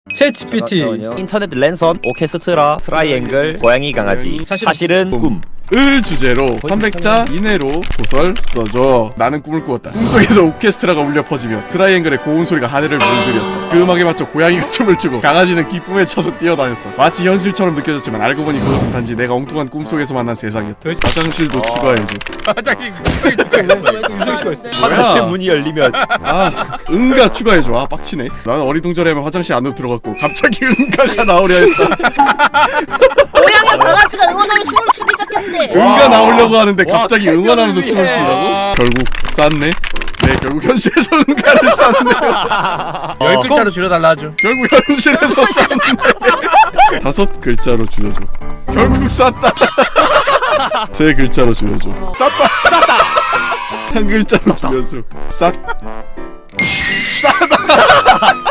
챗 GPT. 인터넷 랜선, 오케스트라, 트라이앵글, 고양이 강아지. 사실은 꿈. 을 주제로 300자 이내로 소설 써줘. 나는 꿈을 꾸었다. 꿈속에서 오케스트라가 울려 퍼지며 트라이앵글의 고운 소리가 하늘을 물들였다. 그 음악에 맞춰 고양이가 춤을 추고 강아지는 기쁨에 차서 뛰어다녔다. 마치 현실처럼 느껴졌지만 알고 보니 그것은 단지 내가 엉뚱한 꿈속에서 만난 세상이었다. 화장실도 추가해줘. 화장실 유성 씨가 있어. 화장실 문이 열리면 아, 응가 추가해줘. 아, 빡치네. 나는 어리둥절해하면 화장실 안으로 들어갔고 갑자기 응가가 나오려 했다. 고양이 강아지가 응원하며 춤을 추기 시작했대. 응가 나오려고 하는데 갑자기 응원하면서 와, 춤을 추라고? 결국 쌌네. 네, 결국 현실에서 응가를 쌌네. 10글자로 줄여달라 하죠. 결국 현실에서 쌌네. 5글자로 줄여줘. 결국 쌌다. 3글자로 줄여줘. 쌌다. 1글자로 줄여줘. 싸다.